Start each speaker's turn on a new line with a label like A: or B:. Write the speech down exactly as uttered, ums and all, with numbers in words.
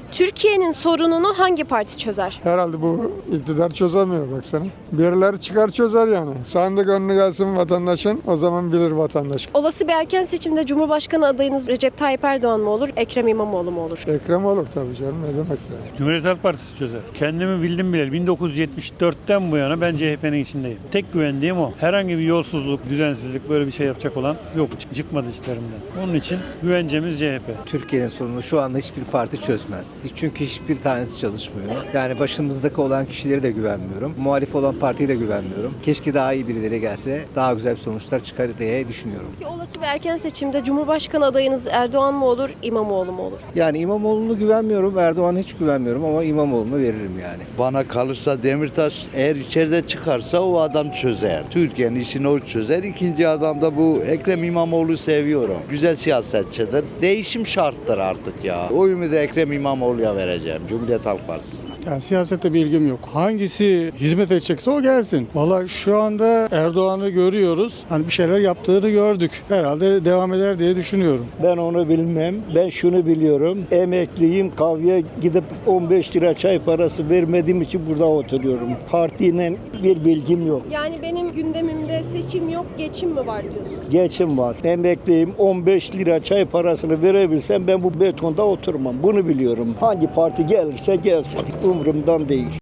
A: Türkiye'nin sorununu hangi parti çözer?
B: Herhalde bu iktidar çözemiyor baksana. Birileri çıkar çözer yani. Sandık önüne gelsin vatandaşın, o zaman bilir vatandaş.
A: Olası bir erken seçimde Cumhurbaşkanı adayınız Recep Tayyip Erdoğan mı olur, Ekrem İmamoğlu mu olur?
B: Ekrem olur tabii canım, ne demek yani.
C: Cumhuriyet Halk Partisi çözer. Kendimi bildim bileli bin dokuz yüz yetmiş dörtten bu yana ben C H P'nin içindeyim. Tek güvendiğim o. Herhangi bir yolsuzluk, düzensizlik böyle bir şey yapacak olan yok. Çıkmadı içlerimden. Onun için güvencemiz C H P.
D: Türkiye'nin sorununu şu anda hiçbir parti çözmez. Çünkü hiçbir tanesi çalışmıyor. Yani başımızdaki olan kişileri de güvenmiyorum. Muhalif olan partiye de güvenmiyorum. Keşke daha iyi birileri gelse daha güzel sonuçlar çıkar diye düşünüyorum.
A: Peki olası bir erken seçimde Cumhurbaşkanı adayınız Erdoğan mı olur, İmamoğlu mu olur?
D: Yani İmamoğlu'nu güvenmiyorum, Erdoğan'ı hiç güvenmiyorum ama İmamoğlu'nu veririm yani.
E: Bana kalırsa Demirtaş eğer içeride çıkarsa o adam çözer. Türkiye'nin işini o çözer. İkinci adam da bu Ekrem İmamoğlu seviyorum. Güzel siyasetçidir. Değişim şarttır artık ya. Oyumu da Ekrem İmamoğlu'ya vereceğim. Cumhuriyet Halk Partisi.
F: Yani siyasette bilgim yok. Hangisi hizmet edecekse o gelsin. Valla şu anda Erdoğan'ı görüyoruz. Hani bir şeyler yaptığını gördük. Herhalde devam eder diye düşünüyorum.
G: Ben onu bilmem. Ben şunu biliyorum. Emekliyim. Kahveye gidip on beş lira çay parası vermediğim için burada oturuyorum. Partiyle bir bilgim yok.
A: Yani benim gündemimde seçim yok, geçim mi var diyorsun?
G: Geçim var. Emekliyim. on beş lira çay parasını verebilsem ben bu betonda oturmam. Bunu biliyorum. Hangi parti gelirse gelsin. Umurumdan değil.